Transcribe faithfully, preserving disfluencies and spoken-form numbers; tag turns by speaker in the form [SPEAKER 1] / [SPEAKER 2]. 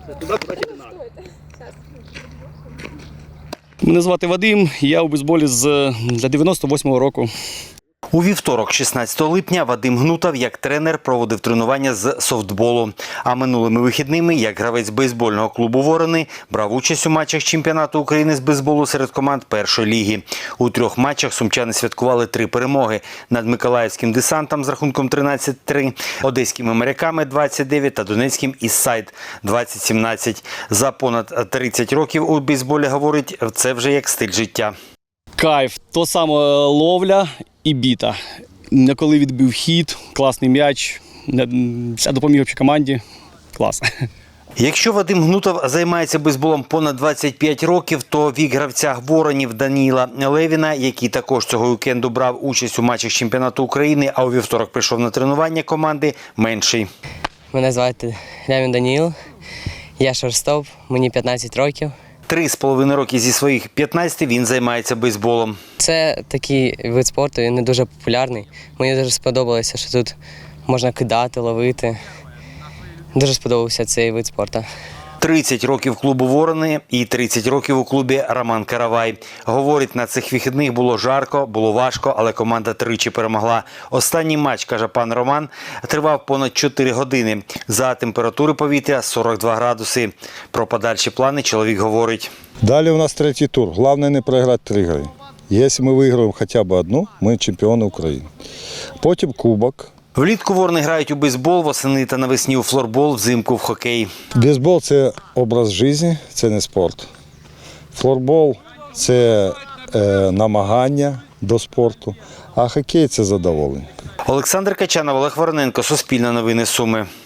[SPEAKER 1] Мене звати Вадим, я у бейсболі з дев'яносто восьмого року.
[SPEAKER 2] У вівторок, шістнадцятого липня, Вадим Гнутов як тренер проводив тренування з софтболу. А минулими вихідними, як гравець бейсбольного клубу «Ворони», брав участь у матчах чемпіонату України з бейсболу серед команд першої ліги. У трьох матчах сумчани святкували три перемоги над Миколаївським «Десантом» з рахунком тринадцять три, одеськими «Моряками» двадцять дев'ять та донецьким «Іссайд» двадцять сімнадцять. За понад тридцять років у бейсболі, говорить, це вже як стиль життя.
[SPEAKER 1] Кайф, то саме ловля і біта. Коли відбив хід, класний м'яч, допоміг общій команді, клас.
[SPEAKER 2] Якщо Вадим Гнутов займається бейсболом понад двадцять п'ять років, то вік гравця «Воронів» Даніїла Левіна, який також цього вікенду брав участь у матчах чемпіонату України, а у вівторок прийшов на тренування команди, менший.
[SPEAKER 3] Мене звати Левін Даніїл, я шорстоп, мені п'ятнадцять років.
[SPEAKER 2] Три з половиною роки зі своїх п'ятнадцяти він займається бейсболом.
[SPEAKER 3] Це такий вид спорту, він не дуже популярний. Мені дуже сподобалося, що тут можна кидати, ловити. Дуже сподобався цей вид спорту.
[SPEAKER 2] тридцять років клубу «Ворони» і тридцять років у клубі «Роман Каравай». Говорить, на цих вихідних було жарко, було важко, але команда тричі перемогла. Останній матч, каже пан Роман, тривав понад чотири години. За температури повітря сорок два градуси. Про подальші плани чоловік говорить.
[SPEAKER 4] Далі у нас третій тур. Головне не програти три гри. Якщо ми виграємо хоча б одну, ми чемпіони України. Потім кубок.
[SPEAKER 2] Влітку «Ворони» грають у бейсбол, восени та навесні у флорбол, взимку в хокей.
[SPEAKER 4] Бейсбол – це образ життя, це не спорт. Флорбол – це е, намагання до спорту, а хокей – це задоволення.
[SPEAKER 2] Олександр Качанов, Олег Вороненко, Суспільне новини, Суми.